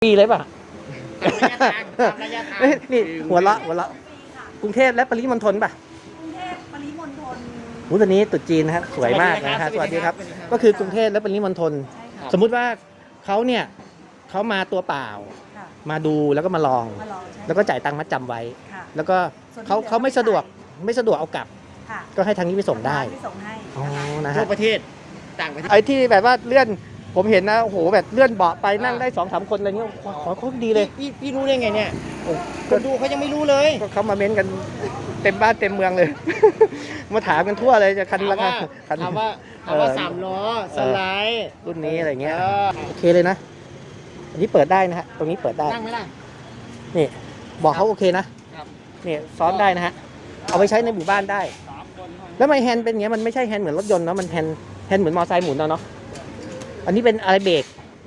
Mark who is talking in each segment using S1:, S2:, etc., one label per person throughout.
S1: ปีเลยป่ะ
S2: ระยะทาง
S1: นี่หัวเราะกรุงเทพและปริมณฑลป่ะ
S3: กรุงเทพปริมณฑล
S1: วันนี้ตรุษจีนนะครับสวยมากนะฮะสวัสดีครับก็คือกรุงเทพและปริมณฑลสมมุติว่าเขาเนี่ยเขามาตัวเปล่ามาดูแล้วก็มาลองแล้วก็จ่ายตังค์มัดจำไว้แล้วก็เขาไม่สะดวกเอากลับก็ให้ทางนี้ไปส่งได้อ๋อนะฮะ
S2: ทั่วประเทศต่างประเทศ
S1: ไอ้ที่แบบว่าเลื่อนผมเห็นนะโอ้โหแบบเลื่อนเบาะไปนั่งได้ 2-3 คนอะไรเงี้ยขอเขาดีเลย
S2: พี่รู้ได้ไงเนี่ยคนดูเขายังไม่รู้เลย
S1: ก็เขามาเม้นกันเต็มบ้านเต็มเมืองเลย มาถามกันทั่วเลยจะคันละคัน
S2: ถามว่า3 ล้อสไลด์
S1: รุ่นนี้อะไรเงี้ยโอเคเลยนะอันนี้เปิดได้นะฮะตรงนี้เปิดได้
S2: นั่งไหมล่ะ
S1: นี่บอกเขาโอเคนะนี่ซ้อนได้นะฮะเอาไปใช้ในหมู่บ้านได้แล้วไมแฮนด์เป็นอย่างเงี้ยมันไม่ใช่แฮนด์เหมือนรถยนต์เนาะมันแฮนด์เหมือนมอเตอร์ไซค์หมุนเนาะอันนี้เป็นอะไรเบร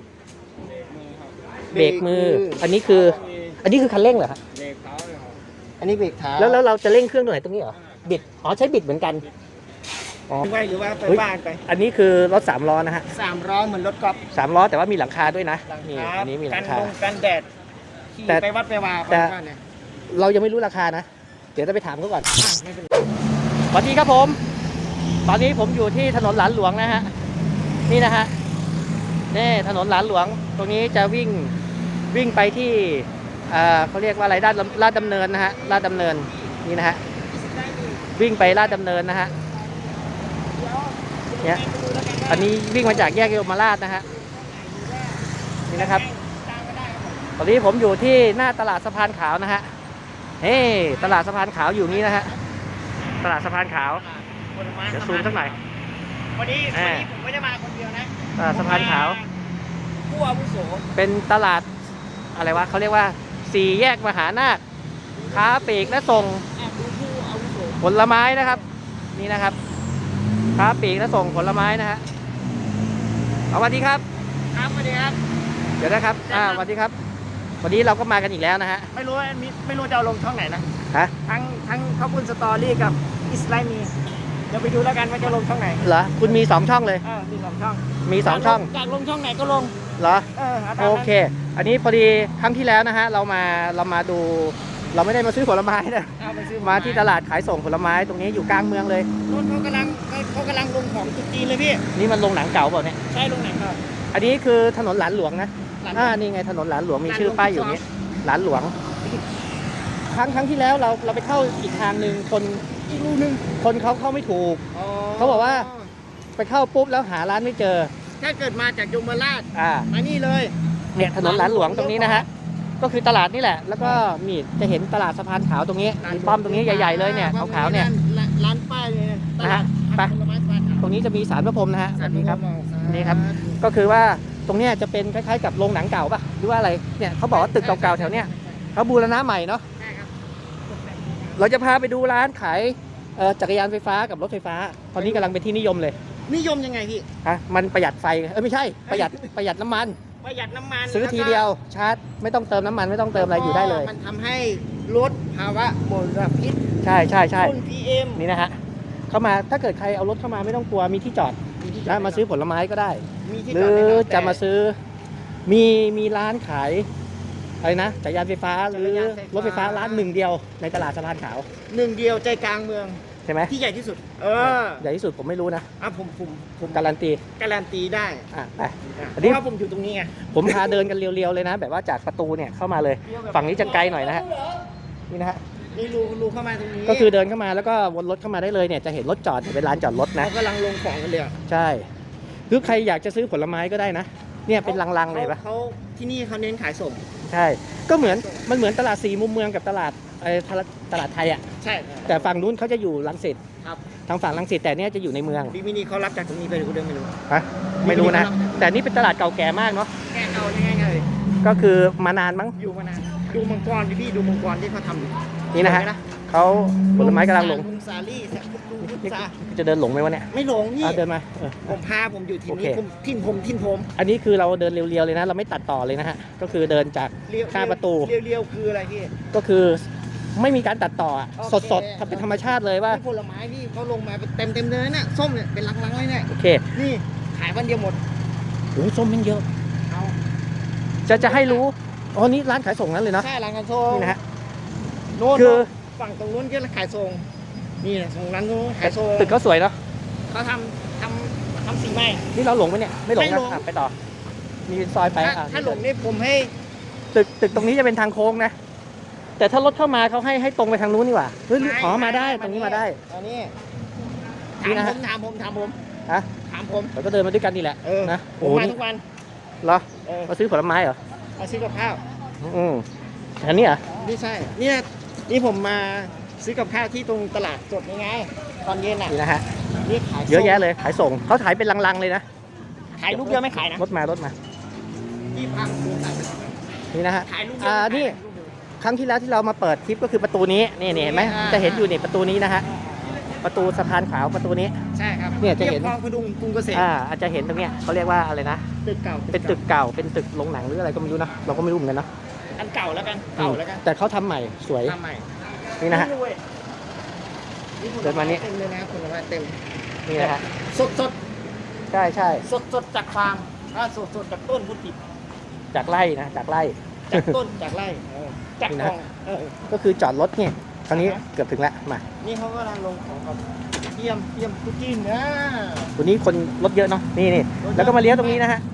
S1: กมืออันนี้คือคันเร่งเหรอฮะ
S2: อันนี้เบรกเท้า
S1: แล้วเราจะเร่งเครื่องตรงไหนตรงนี้เหรอบิดอ๋อใช้บิดเหมือนกัน
S2: อ๋อไว้หรือว่าไปบ้านไป
S1: อันนี้คือรถ3 ล้อนะฮะ
S2: 3 ล้อเหมือนรถกอล์ฟ
S1: 3 ล้อแต่ว่ามีหลังคาด้วยนะนี่อันนี้มีหลังคา
S2: กันแดดขี่ไปวัดไปวา
S1: แต่เรายังไม่รู้ราคานะเดี๋ยวจะไปถามเขาก่อนสวัสดีครับผมตอนนี้ผมอยู่ที่ถนนหลานหลวงนะฮะนี่นะฮะนี่ถนนหลานหลวงตรงนี้จะวิ่งไปที่เขาเรียกว่าอะไรลาดดำเนินนะฮะลาดดำเนินนี่นะฮะวิ่งไปลาดดำเนินนะฮะเนี่ยอันนี้วิ่งมาจากแยกเยาวราชนะฮะนี่นะครับตอนนี้ผมอยู่ที่หน้าตลาดสะพานขาวนะฮะเฮ้ตลาดสะพานขาวอยู่นี้นะฮะตลาดสะพานขาวเดี๋ยวซูมสักหน่อย
S2: วันนี้ผมไม่ได้มาคนเดียวนะ
S1: ตลาดสะพานขาว
S2: ผู้อาวุโส
S1: เป็นตลาดอะไรวะเขาเรียกว่า4 แยกมหานาคค้าปลีกและส่งผลไม้นะครับนี่นะครับค้าปลีกและส่งผลไม้นะฮะสวัสดีครับ
S2: ครับสวัสดีครับ
S1: เดี๋ยวนะครับสวัสดีครับวันนี้เราก็มากันอีกแล้วนะฮะ
S2: ไม่รู้จะเอาลงช่องไหนนะ
S1: ฮะ
S2: ทั้งข้าวปุ้นสตอรี่กับอิสไลมีเดี๋ยวไปดูแล้วกันว่าจะลงช่องไหน
S1: เหรอคุณมี2 ช่องเลย
S2: มี2 ช่อง
S1: มี2 ช่อง
S2: อยากลงช่องไหนก็ลง
S1: เหรอโอเคอันนี้พอดีครั้งที่แล้วนะฮะเรามาดูเราไม่ได้มาซื้อผลไม้นะมาที่ตลาดขายส่งผลไม้ตรงนี้อยู่กลางเมืองเลย
S2: รถเขากำลังลงของตุ๊จีนเลยพี่
S1: นี่มันลงหนังเก่าเปล่าเนี่ย
S2: ใช่ลงหนังเก่า
S1: อันนี้คือถนนหลานหลวงนะนี่ไงถนนหลานหลวงมีชื่อป้ายอยู่นี้หลานหลวงครั้งที่แล้วเราไปเข้าอีกทางหนึ่ง
S2: อีกรูนึง
S1: คนเขาเข้าไม่ถูกเขาบอกว่าไปเข้าปุ๊บแล้วหาร้านไม่เจอ
S2: ถ้าเกิดมาจากยมราชมานี่เลย
S1: เนี่ยถนนหลานหลวงตรงนี้นะฮะก็คือตลาดนี่แหละแล้วก็มีจะเห็นตลาดสะพานขาวตรงนี้มีป้อมตรงนี้ใหญ่ๆเลยเนี่ยขาวๆเนี่ย
S2: ร้านป้ายเลย
S1: นะฮะไปตรงนี้จะมีศาลพระพรหมนะฮะสวัสดีครับนี่ครับก็คือว่าตรงเนี้ยจะเป็นคล้ายๆกับโรงหนังเก่าป่ะหรือว่าอะไรเนี่ยเขาบอกว่าตึกเก่าๆแถวเนี้ยเขาบูรณะใหม่เนาะเราจะพาไปดูร้านขายจักรยานไฟฟ้ากับรถไฟฟ้าตอนนี้กำลังเป็นที่นิยมเลย
S2: นิยมยังไงพี่
S1: มันประหยัดไฟไม่ใช่ประหยัดน้ำมันซื้อทีเดียวชาร์จไม่ต้องเติมน้ำมันไม่ต้องเติมอะไรอยู่ได้เลย
S2: มันทำให้ลดภาวะมลพิษ
S1: ใช่
S2: ฝุ่น PM
S1: นี่นะฮะเข้ามาถ้าเกิดใครเอารถเข้ามาไม่ต้องกลัวมีที่จอดนะมาซื้อผลไม้ก็ได้หรือจะมาซื้อมีร้านขายอะไรนะจักรยานไฟฟ้าหรือรถไฟฟ้าร้าน1 เดียวในตลาดสะพานขาว
S2: 1 เดียวใจกลางเมือง
S1: ใช่ไหม
S2: ที่ใหญ่ที่สุด
S1: ใหญ่ที่สุดผมไม่รู้นะ
S2: ผม
S1: การันตี
S2: ได้
S1: ไป
S2: อันนี้ผมอยู่ตรงนี้ไง
S1: ผมพาเดินกันเรียวๆเลยนะแบบว่าจากประตูเนี่ยเข้ามาเลยฝั่งนี้จะไกลหน่อยนะฮะนี่นะฮะ
S2: นี่รูเข้ามาตรงนี้
S1: ก็คือเดินเข้ามาแล้วก็วนรถเข้ามาได้เลยเนี่ยจะเห็นรถจอดเป็นร้านจอดรถนะ
S2: เขากำลังลงของกันเลย
S1: ใช่หรือใครอยากจะซื้อผลไม้ก็ได้นะเนี่ยเป็นลังๆเลยปะ
S2: เขาที่นี่เขาเน้นขายส่ง
S1: ใช่ก็เหมือนตลาด4 มุมเมืองกับตลาดไทยอ่ะ
S2: ใช่
S1: แต่ฝั่งนู้นเขาจะอยู่รังสิต
S2: ครับ
S1: ทางฝั่งรังสิตแต่เนี้ยจะอยู่ในเมือง
S2: มินิเขารับจากตรงนี้ไปหรือเดิมไม่รู้
S1: ไม่รู้นะแต่นี่เป็นตลาดเก่าแก่มากเนาะ
S2: แก่เก่ายังไง
S1: ก็คือมานานมั้ง
S2: อยู่มานานดูมังกรพี่ดูมังกรที่เขาทำ
S1: นี่นะฮะเขาผลไม้กำลังลง
S2: ซาลี่
S1: จะเดินหลงไหมวะเนี่ย
S2: ไม่หลงพี่
S1: เดินมา
S2: ผมอยู่ที่นี่ทิ้นผม
S1: อันนี้คือเราเดินเรียวๆเลยนะเราไม่ตัดต่อเลยนะฮะก็คือเดินจากข้างประตู
S2: เรียวคืออะไรพี่
S1: ก็คือไม่มีการตัดต่อสดๆทำเป็นธรรมชาติเลยว่า
S2: ผลไม้พี่เขาลงมาเต็มเลยเนี่ยส้มเนี่ยเป็นลังๆเลยเนี่ย
S1: โอเค
S2: นี่ขายวันเดียวหมด
S1: โอ้ส้มมันเยอะจะให้รู้อ๋อนี่ร้านขายส่งนั้นเลยเนาะ
S2: ใช่ร้านขายส่ง
S1: นี่นะฮะ
S2: โน่น
S1: คือ
S2: ฝั่งตรงนู้นก็ขายส่งนี่ส่งร้านนู้นขายส่ง
S1: ตึกเขาสวยเนาะ
S2: เขาทำสีใหม่
S1: นี่เราหลงไหมเนี่ยไม่หลง
S2: ไม่
S1: นะ
S2: หลง
S1: อ่ะไปต่อมีซอยไปอ่ะ
S2: ถ้าหลงนี่ผมให้
S1: ตึกตรงนี้จะเป็นทางโค้งนะแต่ถ้ารถเข้ามาเขาให้ตรงไปทางนู้นนี่หว่าเฮ้ยอ๋อมาได้ตรงนี้มาได้
S2: อันนี้
S1: นี่นะฮะ
S2: ถามผม
S1: ฮะ
S2: ถามผม
S1: เราก็เดินมาด้วยกันนี่แหละ
S2: เออ
S1: นะ
S2: ผ
S1: โอ้
S2: ม
S1: โห
S2: มา
S1: นี่
S2: ทุกวัน
S1: เหรอ
S2: เออ
S1: มาซื้อผลไม้เหรอ
S2: มาซื้อกับข้าว
S1: อืมอันนี้เหรอ
S2: ไม่ใช่เนี่ยนี่ผมมาซื้อกับข้าวที่ตรงตลาดสดนี่ไงตอนเย็นอ่ะ
S1: นี่นะฮะ
S2: นี่ขาย
S1: เยอะแยะเลยขายส่งเขาขายเป็นลังๆเลยนะ
S2: ขายลูกเดียวไม่ขายนะ
S1: รถมา
S2: ยี่พัง
S1: นี่นะฮะ
S2: ขายลูกเดียวไม่ขาย
S1: นี่ ครั้งที่แล้วที่เรามาเปิดคลิปก็คือประตูนี้นี่เห็นไหม
S2: อ่า
S1: จะเห็นอยู่นี่ประตูนี้นะฮะประตูสะพานขาวประตูนี้
S2: ใช่ครับ
S1: เนี่ยจะเห็น
S2: รีบคลองพดุงกรุงเกษตร
S1: อาจจะเห็นตรงเนี้ยเขาเรียกว่าอะไรนะ
S2: ตึกเก่า
S1: เป็นตึกเก่าเป็นตึกโรงหนังหรืออะไรก็ไม่รู้นะเราก็ไม่รู้เหมือนกันเนาะ
S2: อันเก่าแล้วกันเก่าแล้วกัน
S1: แต่เขาทำใหม่สวย
S2: ทำใหม่
S1: นี่นะฮะ
S2: เว้ย
S1: เดินมานี่
S2: เต็มเลยนะคุณว่าเต็ม
S1: นี่นะฮะ
S2: สดสด
S1: ใช่ใช่
S2: สดสดจากฟาร์มสดจากต้นพุทธิ
S1: จากไร่นะจากไร่
S2: จากต้นจากไร่จาก
S1: นี่
S2: ก
S1: นะ
S2: อง
S1: ก็คือจอดรถเนี่ยครั้งนี้
S2: อ่าฮะ
S1: เกือบถึงแล้วมา
S2: นี่เขากำลังลงของกับเยี่ยมคุกกี้นะ
S1: วันนี้คนรถเยอะเนาะนี่
S2: รถเยอะ
S1: แล้วก็มาเลี้ยวตรงนี้นะฮะ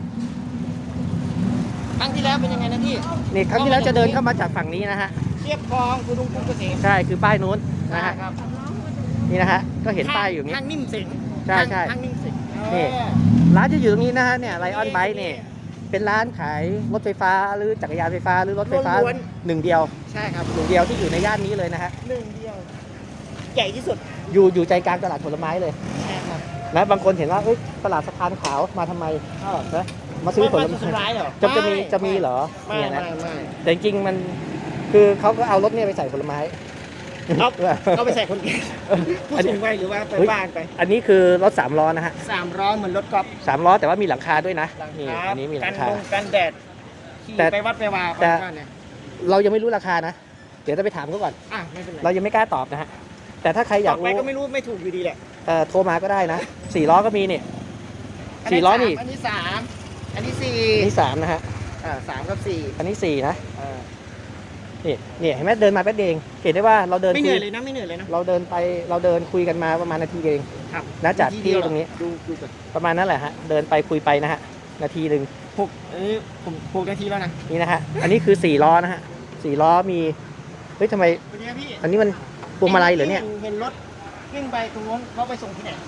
S2: ครั้งที่แล้วเป็นยังไงนะพี่
S1: นี่ครั้งที่แล้วจะเดินเข้ามาจากฝั่งนี้นะฮะ
S2: เทียบคลองพดุงกรุงเกษตร
S1: ใช่คือป้ายนู้นนะฮะ
S2: ครับ
S1: นี่นะฮะก็เห็นป้ายอยู่นี้
S2: ทางนิ่มสิง
S1: ใช่ใช่
S2: ทางนิ่มสิง
S1: นี่ ร้านจะอยู่ตรงนี้นะฮะเนี่ยไลออนไบค์เนี่ยเป็นร้านขายรถไฟฟ้าหรือจักรยานไฟฟ้าหรือรถไฟฟ้าหนึ่งเดียว
S2: ใช่ครับ
S1: หนึ่งเดียวที่อยู่ในย่านนี้เลยนะฮะ
S2: หนึ่งเดียวใหญ่ที่สุด
S1: อยู่ใจกลางตลาดผลไม้เลย
S2: ใช่ครับ
S1: นะบางคนเห็นว่าเอ้ยตลาดสะพานขาวมาทำไมนะมาซื้อผล
S2: ไม่
S1: ไม้
S2: ร้ายเหรอ
S1: จะมีเหรอ
S2: ไม่
S1: เนี่ยนะ
S2: ไม่
S1: แต่จริงๆมันคือเขาก็เอารถเนี่ยไปใส่ผลไม้
S2: เอาไปใส่คนแก่ผู้สูงวัยหรือว่าไป
S1: เฮ้ย
S2: บ้านไป
S1: อันนี้คือรถ3 ล้อนะฮะ
S2: 300เหมือนรถกอล์ฟ
S1: 3 ล้อแต่ว่ามีหลังคาด้วยนะนี่อันนี้มีหลังคา
S2: กันแดดขี่
S1: แต่
S2: ไปวัดไปวา
S1: แต่
S2: บ้านเนี่ย
S1: เรายังไม่รู้ราคานะ เดี๋ยวจะไปถามเขาก่อน
S2: ไม่เป็นไร
S1: เรายังไม่กล้าตอบนะฮะแต่ถ้าใครอยาก
S2: ต่อไป
S1: รู้
S2: ก็ไม่รู้ไม่ถูกอยู่ดีแหละ
S1: โทรมาก็ได้นะ4 ล้อก็มีเนี่ย4 ล้อนี่
S2: อันนี้สามอันนี้สี่
S1: อันนี้3นะฮะ
S2: 3กับ4
S1: อันนี้4นะนี่เห็นไหมเดินมาแป๊บเดียวเองเห็นได้ว่าเราเดิน
S2: ไม่เห
S1: คุ
S2: นื่อย ยเลยนะไม่เหนื่อยเลยนะ
S1: เราเดินคุยกันมาประมาณนาทีเอง
S2: ครับ
S1: นะจากที่ตรงนี้
S2: ดูก่อน
S1: ประมาณนั้นแหละฮะเดินไปคุยไปนะฮะนาทีหนึ่ง
S2: ผม6 นาทีแล้วนะ
S1: นี่นะฮะอันนี้คือ4 ล้อนะฮะ4 ล้อมีเฮ้ยทำไม
S2: วันนี้พี่
S1: อันนี้มันพวงมาลัยเหรอเนี่ย
S2: เห็นรถวิ่งไปตรงนู้นเขาไปส่งที่ไหน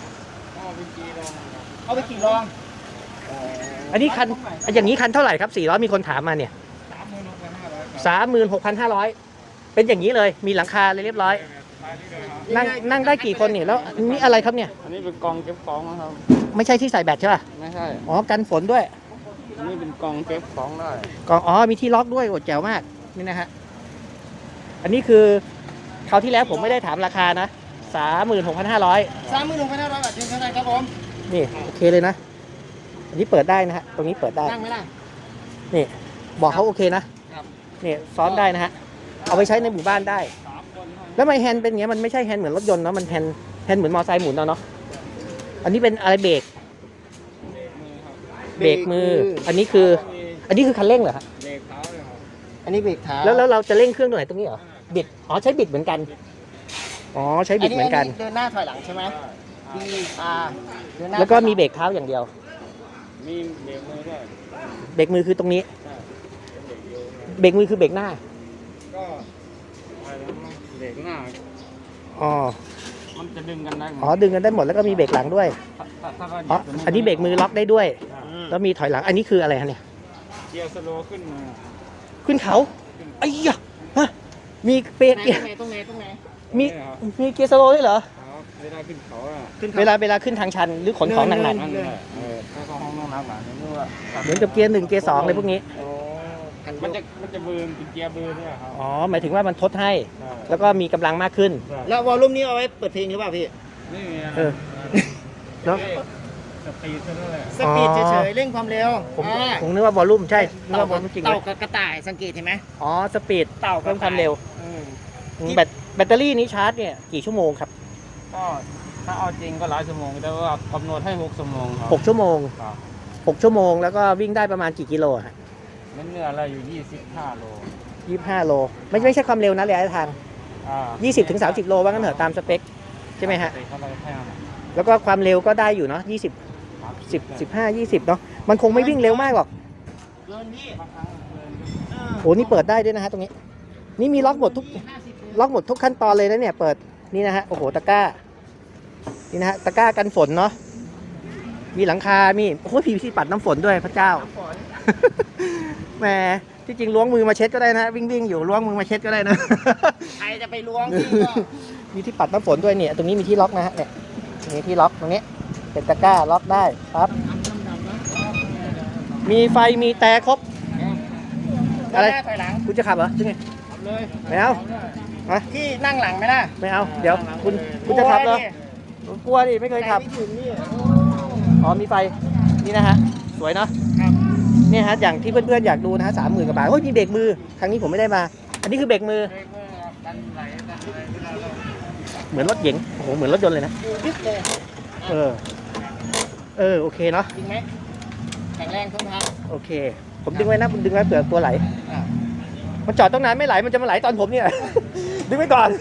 S2: เอาไปขี่ลอง
S1: อันนี้คันอย่างนี้คันเท่าไหร่ครับ4 ล้อมีคนถามมาเนี่ย36,500เป็นอย่างนี้เลยมีหลังคาเลยเรียบร้อยนั่งได้กี่คนเนี่ยแล้วอันนี้อะไรครับเนี่ย
S4: อันนี้เป็นกองเก็บของนะครับ
S1: ไม่ใช่ที่ใส่แบตใช่ป่ะ
S4: ไม่ใช่
S1: อ๋อกันฝนด้วย
S4: อันนี้เป็นกองเก็บของได้
S1: กองอ๋อมีที่ล็อกด้วยโอ้แจ๋วมากนี่นะฮะอันนี้คือคราวที่แล้วผมไม่ได้ถามราคานะ36,500
S2: 36,500 บาทเท่าไหร่ครับผม
S1: นี่โอเคเลยนะ อันนี้เปิดได้นะฮะตรงนี้เปิดได้
S2: นั่งไหมล่ะ
S1: นี่บอกเขาโอเคนะครับ นี่ซ้อนได้นะฮะเอาไปใช้ในหมู่บ้านได้ แล้วทำไมแฮนด์เป็นอย่างเงี้ยมันไม่ใช่แฮนด์เหมือนรถยนต์เนาะมันแฮนด์เหมือนมอเตอร์ไซค์หมุนเนาะอันนี้เป็นอะไรเบรกมืออันนี้คือคันเร่งเหรอฮะ
S4: เลขเท้าเลยครับ
S2: อันนี้เบรกเท้า
S1: แล้วเราจะเร่งเครื่องตรงไหนตรงนี้เหรอบิดอ๋อใช้บิดเหมือนกันอ๋อใช้บิดเหมือนกัน
S2: เดินหน้าถอยหลังใช่ไหมดีเดินหน้า
S1: แล้วก็มีเบรกเท้าอย่างเดียว
S4: มีเบรกมือด้วย
S1: เบรกมือคือตรงนี้
S4: ใช่เป็นเบรกเดียว
S1: เบรกมือคือเบรกหน้า
S4: ก็อะไรนะเบรกหน้า
S1: อ๋อ
S4: มันจะดึงกันได้หมด
S1: อ๋อดึงกันได้หมดแล้วก็มีเบรกหลังด้วย
S4: ถ้าก็
S1: อ๋ออันนี้เบรกมือล็อกได้ด้วย แล้วมีถอยหลังอันนี้คืออะไรฮะเนี่ย
S4: เกียร์สโลว์ขึ้นมา
S1: ขึ้นเขาไอ้ยะฮะมีเบรกเกียร์
S2: ตรงไหน
S1: มี
S4: ครับ
S1: มีเกียร์สโลว์ด้วยเหรอ
S4: ครับเวลาขึ้นเขาอะ
S1: เวลาขึ้นทางชันหรือขนของหนัก
S4: นั่นแหละถ้าเขาห้องน้ำหนักๆนี่ว่า
S1: ๆเหมือนกับเกียร์1เกียร์2อะไรพวกนี้
S4: มันจะเบิร์นเป็นเกียร์เบิร์นเนี่ยครับ
S1: อ๋อหมายถึงว่ามันทดให้
S4: ใช่
S1: แล้วก็มีกำลังมากขึ้น
S2: แล้ววอลลุ่มนี้เอาไว้เปิดเพลงหรือเปล่าพี่
S4: นี่ไง
S1: เออ เนอะ
S4: สปีดซะด้วย
S2: สปีดเฉยๆเร่งความเร็ว
S1: ผมนึกว่าวอลลุ่มใช่นึกว่าวอลลุ่มจริงเล
S2: เต่าย กับกระต่ายสังเกตเห็นไหม
S1: อ๋อสปีด
S2: เต่า
S1: เพิ่มความเร็ว
S2: อืม
S1: แบตเตอรี่นี้ชาร์จเนี่ยกี่ชั่วโมงครับ
S4: ก็ถ้าเอาจริงก็หลายชั่วโมงแต่ว่ากำหนดให้6 ชั่วโมงครับ
S1: 6 ชั่วโมง
S4: ครับ
S1: 6 ชั่วโมงแล้วก็วิ่งได้ประมาณกี่กิโลฮะ
S4: เนื้อเราอยู่25 โล
S1: 25 โลไม่ใช่ความเร็วนะระยะทาง 20 ถึง 30 โลว่างั้นเถอะตามสเปคใช่ไหมฮะ
S4: เขาเราแค่นั้น
S1: แล้วก็ความเร็วก็ได้อยู่เนาะ20 10 15 20เนาะมันคงไม่วิ่งเร็วมากหรอก
S2: เกินพี่
S4: บางครั้งเกิน
S1: โอ้นี่เปิดได้ด้วยนะฮะตรงนี้ นี่มีล็อกหมดทุกขั้นตอนเลยนะเนี่ยเปิดนี่นะฮะโอ้โหตะกร้านี่นะฮะตะกร้ากันฝนเนาะมีหลังคามีโอ้โหพีปัดน้ำฝนด้วยพระเจ้า แหมที่จริงล้วงมือมาเช็ดก็ได้นะวิ่งอยู่ล้วงมือมาเช็ดก็ได้นะ
S2: ใครจะไปล้วงพี่ก็
S1: มีที่ปัดน้ำฝนด้วยเนี่ยตรงนี้มีที่ล็อกนะฮะเนี่ยมีที่ล็อกตรงนี้เป็นตะกร้าล็อกได้ครับ มีไฟมีแต่ครบ อะไร
S2: หน้าถอยหลัง
S1: คุณจะขับเหรอใช่ไง
S2: ขับเลย
S1: ไม่เอาฮะ
S2: พี่นั่งหลังไหมล่ะ
S1: ไม่เอาเดี๋ยวคุณจะขับเหรอ ผมกลัวดิไม่เคยขับ
S2: ไม่ถึงนี่
S1: อ๋อมีไฟนี่นะฮะสวยเนาะ
S2: ครับ
S1: เนี่ยฮะอย่างที่เพื่อนๆอยากดูนะฮะ30,000 กว่าบาทโอ้ยมีเบรกมือครั้งนี้ผมไม่ได้มา อันนี้คือเบรกมือ
S4: กันไหลกันอะไรที่เรา
S1: เหมือนรถเก๋งโอ้โหเหมือนรถยนต์เลยนะ
S2: ยึดเลย
S1: โอเคเนาะ
S2: จริงไหมแข็งแรงทนทาน
S1: โอเค ผมดึงไว้นะผมดึงไว้เผื่อตัวไหล
S2: อ่ะ
S1: มันจอดต้องนานไม่ไหลมันจะมาไหลตอนผมเนี่ย ดึงไว้ก่อน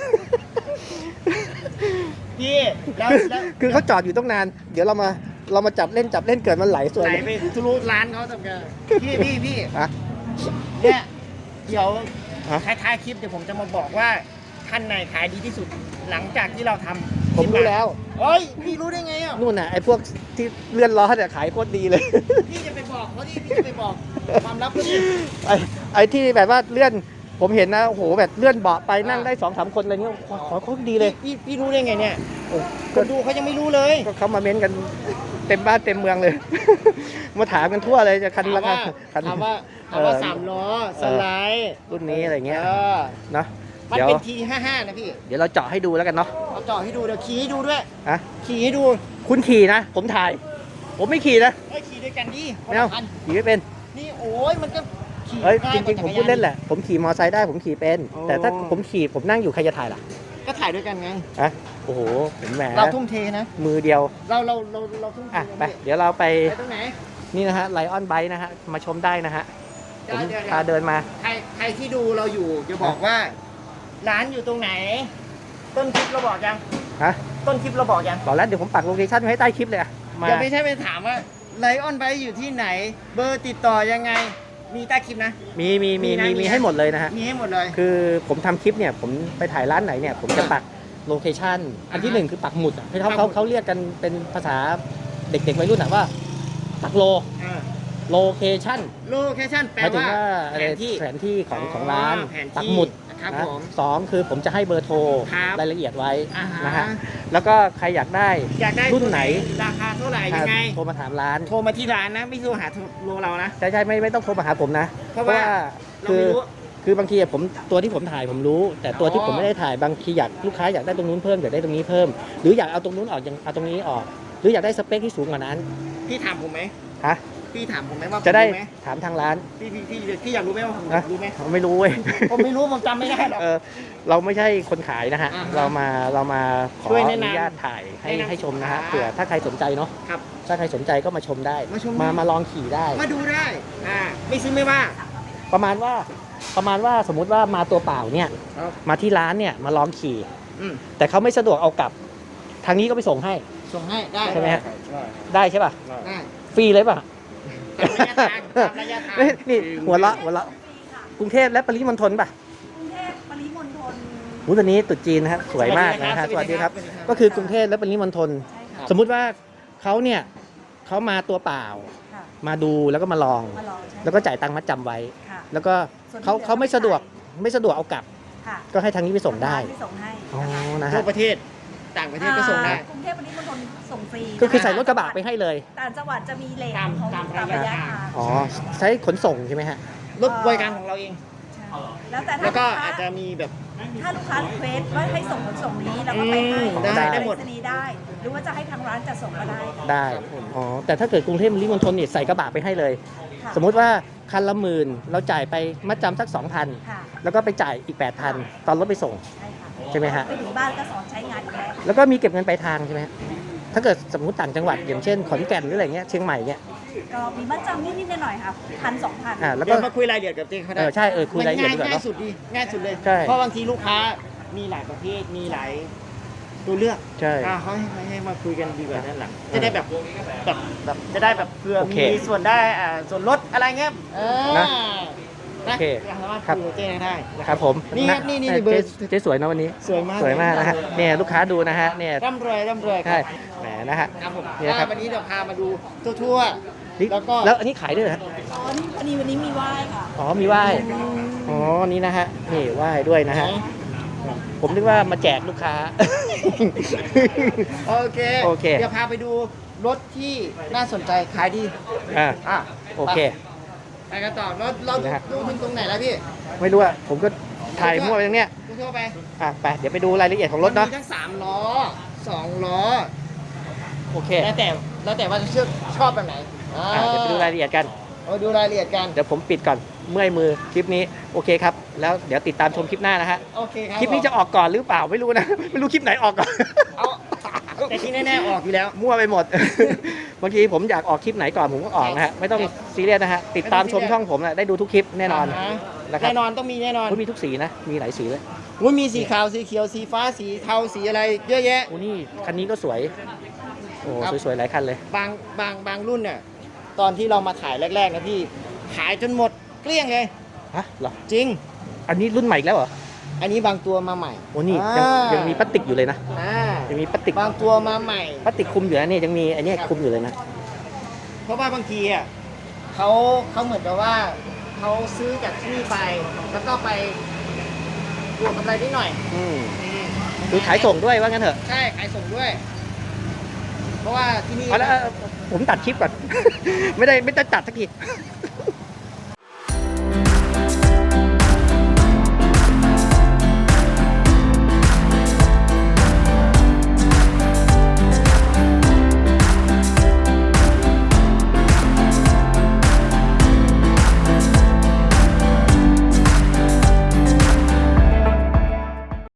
S2: พี่แล้วแล้ว
S1: คือเขาจอดอยู่ต้องนาน เดี๋ยวเรามาจับเล่นเกิดมันไหลสวย
S2: ไหล
S1: เลย
S2: ไปทะลุร้านเขาทำไงพี่
S1: อะ
S2: เนี่ยเดี๋ยว
S1: ฮะ
S2: ท้ายๆคลิปเดี๋ยวผมจะมาบอกว่าท่านไหนขายดีที่สุด หลังจากที่เราทำ
S1: ผมรู้แล้ว
S2: เฮ้ยพี่รู้ได้ไงอ่ะ
S1: นู่นน่ะไอ้พวกที่เลื่อนล้อเนี่ยขายโคตรดีเลย
S2: พี่จะไปบอกเขาดิพี่จะไปบอกความลับเขาดิ
S1: ไอ้ที่แบบว่าเลื่อนผมเห็นนะโอ้โหแบบเลื่อนเบาะไปนั่งได้2-3 คนอะไรเงี้ยขอโคตรดีเลย
S2: พี่รู้ได้ไงเนี่ย
S1: โอ้
S2: คนดูเขายังไม่รู้เลย
S1: ก็เขามาเม้นกันเต็มบ้านเต็มเมืองเลย มาถามกันทั่วเลยจะคันราคาคัน
S2: ถามว่าสามล้อสไลด์
S1: รุ่นนี้อะไรเงี้ยเนาะ
S2: มัน
S1: เดี๋ยว
S2: เป็นที55นะพี่
S1: เดี๋ยวเราเจาะให้ดูแล้วกันเนาะ
S2: เอาจ่อให้ดูเดี๋ยวขี่ให้ดูด้วย
S1: อะ
S2: ขี่ให้ดู
S1: คุณขี่นะ ผมถ่าย ผมไม่ขี่นะ
S2: เฮ้ยขี่ด้วยกันดิคน
S1: ไม่เอา
S2: ละคัน
S1: ขี่ไม่เป็น
S2: นี่โอ้ยมันก็ขี่
S1: เอ้ย
S2: ง่า
S1: จ
S2: กว่า
S1: ริงๆผมพูดเล่นแหละผมขี่มอไซค์ได้ผมขี่เป็น
S2: โอ้
S1: แต่ถ้าผมขี่ผมนั่งอยู่ใครจะถ่ายล่ะ
S2: ก็ถ่ายด้วยกันไง
S1: อะโอ้โหผมแหม
S2: เราทุ่มเทนะ
S1: มือเดียว
S2: เราทุ่มเท
S1: อ่ะไป
S2: นะ
S1: เดี๋ยวเราไป
S2: ไปตรงไหน
S1: นี่นะฮะไลออนไบค์นะฮะมาชมได้นะฮะผม
S2: เดี๋ยว
S1: พาเดินมา
S2: ใครที่ดูเราอยู่จะบอกว่า ร้านอยู่ตรงไหน ต้นคลิปเราบอกยัง
S1: ฮะ
S2: ต้นคลิปเราบอกยัง
S1: บอกแล้วเดี๋ยวผมปักโลเคชั่นไว้ให้ใต้คลิปเลยอะมา
S2: อย่าไม่ใช่ไปถามว่าไลออนไบอยู่ที่ไหน เบอร์ติดต่อยังไง มีใต้คลิปนะ
S1: มี
S2: มีนะ
S1: ให้หมดเลยนะฮะ
S2: มีให้หมดเลย
S1: คือผมทำคลิปเนี่ยผมไปถ่ายร้านไหนเนี่ยผมจะปักโลเคชั่นอันที่หนึ่งคือปักหมุดอะให้เขาเรียกกันเป็นภาษาเด็กๆวัยรุ่นอะว่าปักโลเคชั่น
S2: โลเคชั่นแปล
S1: หมายถึง
S2: ว่า
S1: ว่า
S2: แผนที่
S1: แผนที่ของร้าน
S2: แผนที่
S1: ปักหมุด
S2: ครับ
S1: นะ
S2: ผม
S1: สองคือผมจะให้เบอร์โทร
S2: ครับ
S1: รายละเอียดไว้
S2: อ่าฮะ
S1: นะฮะแล้วก็ใครอยากได้
S2: อยากได้
S1: รุ่นไหน
S2: ราคาเท่าไหร่ยังไง
S1: โทรมาถามร้าน
S2: โทรมาที่ร้านนะไม่โทรหาโลเรานะ
S1: ใช่ไม่ต้องโทรมาหาผมนะ
S2: เพราะว่า เรา
S1: คื
S2: ไม่
S1: อ
S2: รู้
S1: คือบางทีอะผมตัวที่ผมถ่ายผมรู้ แต่ตัวที่
S2: อ๋อ
S1: ผมไม่ได้ถ่ายบางทีอยากลูกค้าอยากได้ตรงนู้นเพิ่มอยากได้ตรงนี้เพิ่ม หรืออยากเอาตรงนู้นออกยังเอาตรงนี้ออก หรืออยากได้สเปคที่สูงกว่านั้น
S2: พี่ถามผมไหม
S1: ฮะ
S2: พี่ถามผมไหมว่าผม
S1: จะได้
S2: รู้ไหม
S1: ถามทางร้าน
S2: พี่อยากรู้ไหมว่าผม
S1: นะ
S2: รู้ไหม
S1: ไม่รู้เว้ย
S2: ผมไม่รู้ผมจำไม่ได้หรอก
S1: เราไม่ใช่คนขายนะฮะ
S2: อ่าฮะ
S1: เรามาขอ
S2: ช่วย
S1: อ
S2: แนะนำ
S1: นุญาตถ่ายให้
S2: แนะนำ
S1: ให้ชมนะฮะ
S2: สินค้า
S1: เผื่อถ้าใครสนใจเนาะ
S2: ครับ
S1: ถ้าใครสนใจก็มาชมได้
S2: มาชมได้
S1: มาลองขี่ได้
S2: มาดูได้ไม่ซื้อไม่ว่า
S1: ประมาณว่าสมมุติว่ามาตัวเปล่าเนี่ย
S2: ครับ
S1: มาที่ร้านเนี่ยมาลองขี่
S2: อืม
S1: แต่เขาไม่สะดวกเอากลับ ทางนี้ก็ไปส่งให้
S2: ส่งให้ได้
S1: ใช่ไหมฮะ
S4: ใช่
S1: ได้ใช่ป่ะ
S2: ได้
S1: ฟรีเลยป่ะ
S2: ตามระยะทาง
S1: นี่หัวเราะกรุงเทพและปริมณฑลป่ะ
S3: กรุงเทพปริมณฑล
S1: หูตอนนี้ตรุษจีนนะฮะสวยมากนะฮะสวัสดีครับ ก็คือกรุงเทพและปริมณฑล
S3: ใช่ค่ะ
S1: สมมุติว่าเขาเนี่ยเขามาตัวเปล่า
S3: ค่ะ
S1: มาดูแล้วก็มาลอง
S3: มาลองใช่
S1: แล้วก็จ่ายตังค์มัดจำไว้
S3: ค่ะ
S1: แล้วก็เขาไม่สะดวกเอากลับ
S3: ค่ะ
S1: ก็ให้ทางนี้ไปส่งได้
S3: ที่ส่งให้
S1: อ๋อ
S3: นะคะ
S1: นะ
S2: ทั่
S1: ฮะ
S2: วประเทศ ต่างประเทศก็ส่งได้
S3: กรุงเทพปริมณฑลส่งฟรี
S1: ก็คือใส่รถกระบะไปให้เลย
S3: ต่างจังหวัดจะมีเลท
S2: ตาม
S3: ของ
S2: ตาม
S3: ตาม
S2: ระ
S3: ระ
S2: ยะ
S3: ยะ
S2: ทาง
S3: ทาง
S1: อ๋อใช้ขนส่งใช่ไหมฮะ
S2: รถบริการของเราเอง
S3: ใช่แล้วแต่
S2: แล้วก็
S3: ถ้า
S2: อาจจะมีแบบ
S3: ถ้าลูกค้ารีเควสว่าให้ส่งขนส่งนี้เราก็ไปให้
S2: ได้หมด
S3: ไปรษณีย์ได้ หรือว่าจะให้ทางร้านจัดส่งก็ได้
S1: ได้ อ๋อ แต่ถ้าเกิดกรุงเทพปริมณฑลเนี่ยใส่กระบะไปให้เลย
S3: ค่ะ
S1: สมมุติว่าคันละ10,000เราจ่ายไปมัดจำสัก 2,000
S3: ค่ะ
S1: แล้วก็ไปจ่ายอีก 8,000 ตอนรถไปส่ง
S3: ใช่ค่ะ
S1: ใช่ไหมฮะ
S3: ไปถึงบ้านก็สอนใช้งานอยู่แล้ว
S1: แล้วก็มีเก็บเงินปลายทางใช่ไหมฮะถ้าเกิดสมมติต่างจังหวัดอย่างเช่นขอนแก่นหรืออะไรเงี้ยเชียงใหม่เนี่ย
S3: ก็มีมัดจำนิดๆหน่อยๆค่ะ1,000-2,000
S1: แล้ว
S2: เดี๋
S1: ก็
S2: ยวมาคุยรายละเอียดกับเจ๊เขาได้
S1: ใช่คุยรายละเอียดดีกว่า
S2: ง่าย
S1: เนอะ
S2: สุดดีง่ายสุดเลย
S1: ใช่
S2: เพราะบางทีลูกค้ามีหลายประเภทมีหลายตัวเลือก
S1: ใช่
S2: เขาให้มาคุยกันดีกว่านั่นหลังจะได้แบบจะได้แบบเผื่อ
S1: โอเค
S2: มีส่วนได้ส่วนลดอะไรเงี้ย
S1: นะ
S2: นะ
S1: โอเค
S2: สามารถ
S1: ครับ
S2: คุยกับเจ๊ได้นะ
S1: ครับผม
S2: นี่ครับนี่เบอร์
S1: เจ๊สวยนะวันนี้
S2: สวยมาก
S1: สวยมากนะฮะเนี่ยลูกค้าดูนะฮะเนี่ย
S2: ร่ำรวยค
S1: ใช่
S2: รับ
S1: แหมนะฮะ
S2: ครับผม
S1: เนี่ยครับ
S2: วันนี้เดี๋ยวพามาดูทั่ว
S1: นี่
S2: ๆแล้วก็
S1: แล้วอันนี้ขายด้วยเหรอฮะ
S3: อ๋อนี่พอดีวันนี้มีไหว้ค่ะ
S1: อ๋อมีไหว้อ๋อนี่นะฮะนี่ไหว้ด้วยนะฮะผมนึกว่ามาแจกลูกค้า
S2: โอเค
S1: โอเค
S2: เดี๋ยวพาไปดูรถที่น่าสนใจขายดี
S1: อ่ะโอเค
S2: ไปกันต่อเรา
S1: นะฮะ
S2: ดูถึงตรงไหนแล้วพี่
S1: ไม่รู้อะผมก็ถ่ายมั่วไปตรงเนี้ย
S2: ทั่วๆไป
S1: ไปเดี๋ยวไปดูรายละเอียดของรถเนาะ
S2: มีทั้ง3ล้อ2ล้อ
S1: โอเค
S2: แล้วแต่ว่าจะชอบแบบไหน
S1: เดี๋ยวไปดูรายละเอียดกัน
S2: เอาดูรายละเอียดกัน
S1: เดี๋ยวผมปิดก่อนเมื่อยมือคลิปนี้โอเคครับแล้วเดี๋ยวติดตามชมคลิปหน้านะฮะ
S2: โอเคครับ
S1: คลิปนี้จะออกก่อนหรือเปล่าไม่รู้นะ ไม่รู้คลิปไหนออกก่อน
S2: เอาแต่ที่แน่ๆออกอยู่แล้ว
S1: มั่วไปหมด บางทีผมอยากออกคลิปไหนก่อนผมก็ออกนะฮะไม่ต้องซีเรียสนะฮะติดตามชมช่องผมนะได้ดูทุกคลิปแน่นอน
S2: าฮะ
S1: นะครับ
S2: แน่นอนต้องมีแน่นอน
S1: โอ้ยมีทุกสีนะมีหลายสีเลย
S2: ว่ามีสีขาวสีเขียวสีฟ้าสีเทาสีอะไรเยอะแยะ
S1: โอ้นี่คันนี้ก็สวยโอ้
S2: ครับ
S1: สวยๆหลายคันเลย
S2: บางรุ่นเนี่ยตอนที่เรามาถ่ายแรกๆนะพี่ขายจนหมดเกลี้ยงเลย
S1: ฮะเหรอ
S2: จริง
S1: อันนี้รุ่นใหม่อีกแล้วเหรอ
S2: อันนี้บางตัวมาใหม่
S1: โอ้นี่ยังมีพลาสติกอยู่เลยนะ
S2: อ่า
S1: ยังมีพลาสติก
S2: บางตัวมาใหม่
S1: พลาสติกคลุมอยู่นะเนี่ยยังมีอันเนี้ยคลุมอยู่เลยนะ
S2: เพราะว่าบางทีอ่ะเขาเหมือนกับว่าเขาซื้อจากที่นี่ไป แล้วก็ไปบวกกำไรนิดหน่อย
S1: อืมคือขายส่งด้วยว่างั้นเถอะ
S2: ใช่ขายส่งด้วย เพราะว่าที่นี่
S1: เอาแล้วผมตัดคลิปก่อน ไม่ได้ตัดสักที